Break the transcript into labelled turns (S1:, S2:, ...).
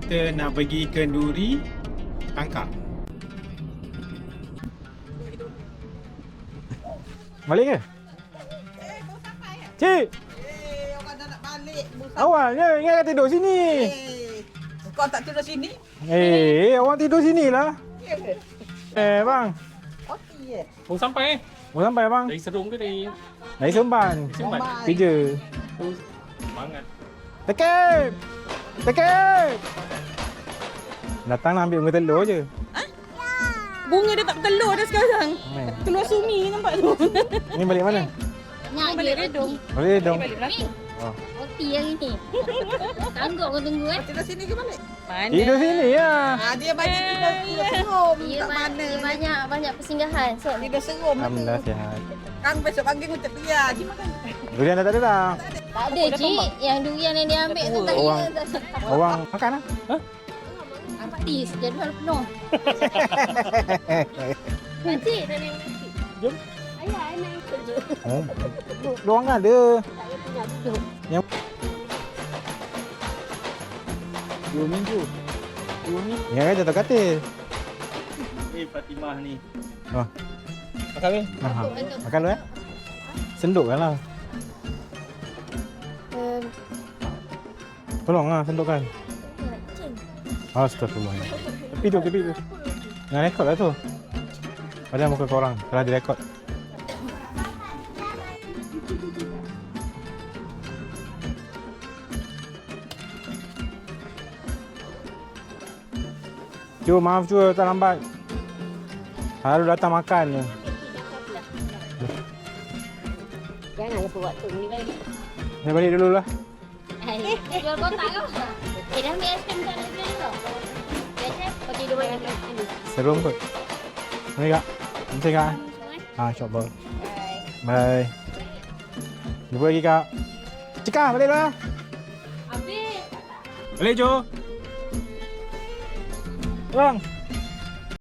S1: kita nak pergi kenduri tangkap.
S2: Balik ke? Cik,
S3: Orang dah nak balik.
S2: awalnya ingat tidur sini.
S3: Kau tak tidur sini?
S2: Orang tidur sini lah.
S3: Ya ke?
S2: Bang.
S3: Okey.
S4: Baru sampai
S2: Mau sampai bang?
S4: dari Serung ke dari
S2: Dari Semban.
S4: Semban?
S2: Kerja.
S4: Semangat.
S2: Tekep! Tekep! Datang nak ambil bunga telur je.
S5: Bunga dia tak bertelur dah sekarang. Keluar sumi nampak tu.
S2: Ni balik mana?
S6: Nak
S5: Balik
S6: dia
S5: redung.
S2: Boleh dong.
S5: Balik belakang.
S6: roti yang ini. Sanggup kau tunggu
S3: Tidur sini ke balik?
S5: Mana?
S2: Tidur sini lah.
S3: Dia banyak tidur serum.
S6: Dia
S3: Tak mana ni.
S6: banyak persinggahan. So,
S3: Tidur serum.
S2: Alhamdulillah sihat.
S3: Kang besok pagi untuk biar. Dia makan.
S2: Durian dah tak ada dah.
S6: tak ada cik. Yang durian yang dia ambil tu tak
S2: Orang-
S6: kira.
S2: Orang makan lah.
S6: Artis jadual penuh. Makcik dah naik makcik.
S2: Jom.
S6: Ayah naik kerja.
S2: Oh. Diorang ada.
S6: Tak ada punya duduk.
S4: 2 minggu. 2 ni.
S2: Yang kan jatuh katil.
S4: Fatimah ni.
S2: Oh.
S4: Makan ni.
S2: Aha. Makan dulu Sendukkan lah. Tolong lah sendukkan. Astagfirullah. Tepi tu. Jangan rekod lah tu. Padahal muka korang telah direkod. Cu, maaf cu, tak lambat. Harus datang makan je.
S6: Jangan lupa waktu ni lagi.
S2: Saya balik dulu lah.
S6: Jual kotak kau. Dah ambil aiskrim tak nak jual kau. Biasa kau tidur balik ni.
S2: Serum kot. Mari kak. Nanti kak. InsyaAllah. Bye. Jumpa lagi kak. Cika, balik lah.
S6: Habis.
S2: Balik Jo. Bang.